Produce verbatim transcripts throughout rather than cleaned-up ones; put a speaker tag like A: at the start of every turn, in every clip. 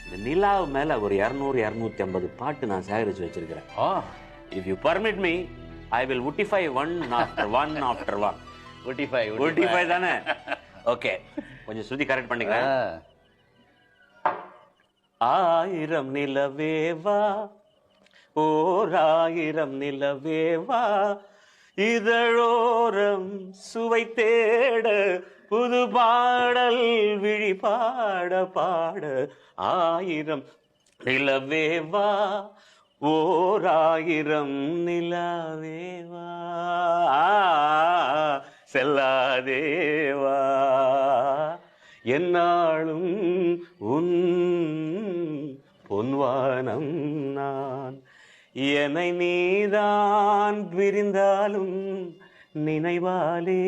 A: இந்த நிலாவு மேல ஒரு இருநூறு இருநூத்தி ஐம்பது பாட்டு நான் சேகரிச்சு வச்சிருக்கிறேன். If you permit me I will identify one after one after one.
B: Identify
A: identify தானே? ஓகே, கொஞ்சம் சுத்தி கரெக்ட் பண்ணிக்கிறேன். ஆயிரம் நிலவேவா ஓர் ஆயிரம் நிலவேவா இதழோரம் சுவை தேட புது பாடல் விழி பாட பாட ஆயிரம் நிலவேவா ஓர் ஆயிரம் நிலவேவா செல்லாதேவா என்னாலும் உன் பொன்வானம் நான் என்னை நீதான் விரிந்தாலும் நினைவாலே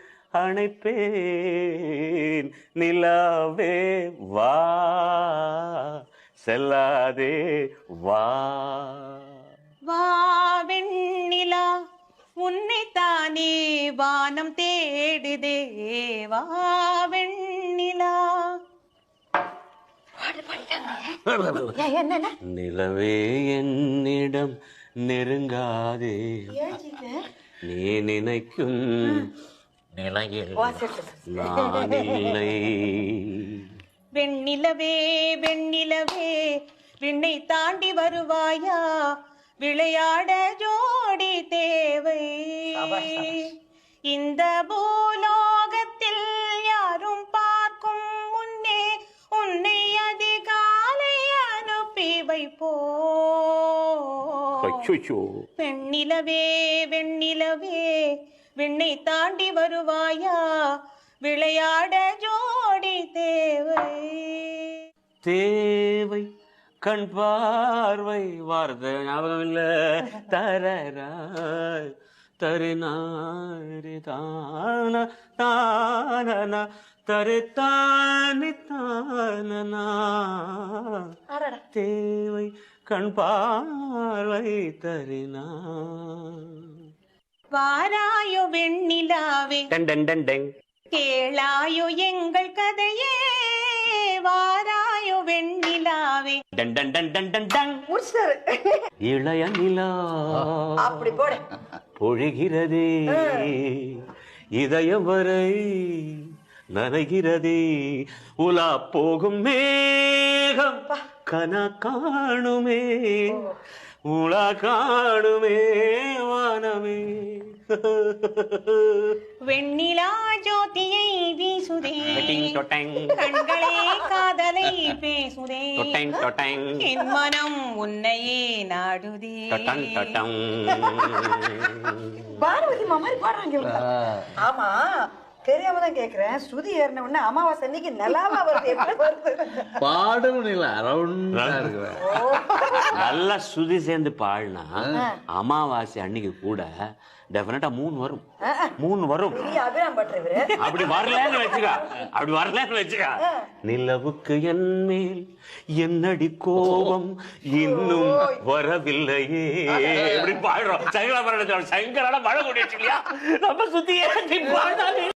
A: அணைப்பேன் நிலாவே வா செல்லாதே வா.
C: வா வெண்ணிலா உன்னைத்தானே வானம் தேடுதே வா வெண்ணிலா.
A: நிலவே என்னிடம் நெருங்காதே நீ நினைக்கும் நிலையில் நான் இல்லை.
C: வெண்ணிலவே வெண்ணிலவே விண்ணை தாண்டி வருவாயா விளையாட ஜோடி தேவை. இந்த பூலோகத்தில் யாரும் பார்க்கும் முன்னே உன்னை அதிகாலை அனுப்பி வைப்போ. வெண்ணிலவே வெண்ணிலவே விண்ணை தாண்டி வருவாயா விளையாட ஜோடி தேவை.
A: தேவை கண் பார்வை வார்த்தை ஞாபகம் இல்ல தரராய் தருநாரி தான தான தரு தானி தானனா. தேவை கண் பார்வை தருனா.
C: வாராயோ வெண்ணிலாவே
A: டன் டன் டன் டன்
C: கேளாயோ எங்கள் கதையே வாராயோ வெண்ணிலாவே
A: டன் டன் டன் டன் டன் டன். இளைய நிலா
D: அப்படி போடு
A: பொழிகிறதே இதயம் வரை நனைகிறதே உலா போகும் மேகம் கன காணுமே உலா காணுமே வானமே.
C: வெண்ணிலா ஜோதியை வீசுதே கண்களே காதலை பேசுதே என் மனம் உன்னையே நாடுதே.
D: பாரதி மாதிரி பாடுறாங்க. ஆமா தெரியாம தான் கேக்குறேன். ஸ்ருதி ஏறின உடனே அமாவாசை அன்னைக்கு நிலாவா வருது வருது
B: பாடும் இல்ல ரவுண்டா இருக்கு.
A: நல்லா சுதி சேர்ந்து பாடினா அமாவாசை அன்னைக்கு கூட டெஃபினட்டா மூணு வரும் மூணு வரும். அப்படி வரலன்னு வச்சுக்கா அப்படி வரலன்னு வச்சுக்கா. நிலவுக்கு என் மேல் என்னடி கோபம் இன்னும் வரவில்லையே எப்படி பாடுறோம். சங்கரா சங்கரான மழை கூட்டி வச்சுக்கலையா நம்ம சுத்தியே பாடாது.